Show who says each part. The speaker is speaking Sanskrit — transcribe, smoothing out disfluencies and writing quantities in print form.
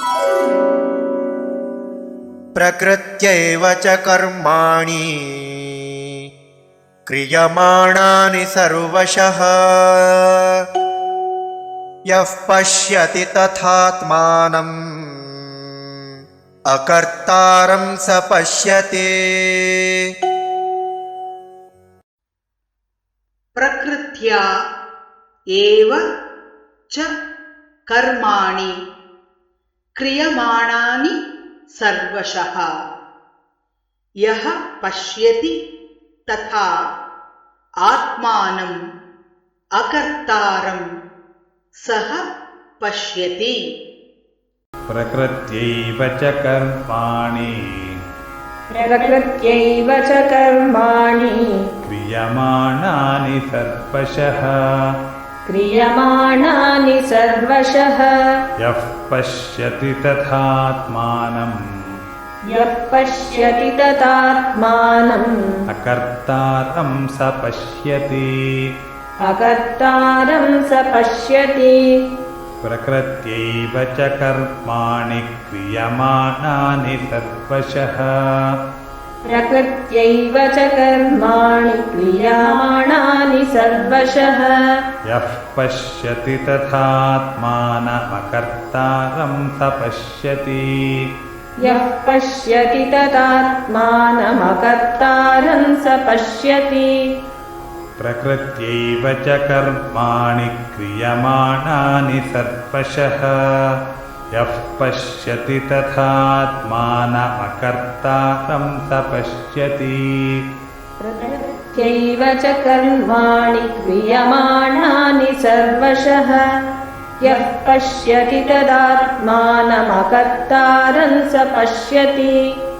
Speaker 1: प्रकृत्यैव च कर्माणि क्रियमाणानि सर्वशः यः पश्यति तथात्मानम् अकर्तारं स पश्यति।
Speaker 2: प्रकृत्या एव च कर्माणि क्रियमाणानि सर्वशः यः पश्यति तथा आत्मानम् अकर्तारं सः पश्यति।
Speaker 3: प्रकृत्यैव च कर्माणि क्रियमाणानि सर्वशः यः पश्यति तथात्मानम् अकर्तारं स पश्यति। प्रकृत्यैव च कर्माणि क्रियमाणानि सर्वशः यः पश्यति तथात्मानमकर्तारं स पश्यति। प्रकृत्यैव च कर्माणि क्रियमाणानि सर्वशः यः पश्यति तथात्मानमकर्तारं स पश्यति।
Speaker 4: प्रकृत्यैव च कर्माणि क्रियमाणानि सर्वशः यः पश्यति तदात्मानमकर्तारं स पश्यति।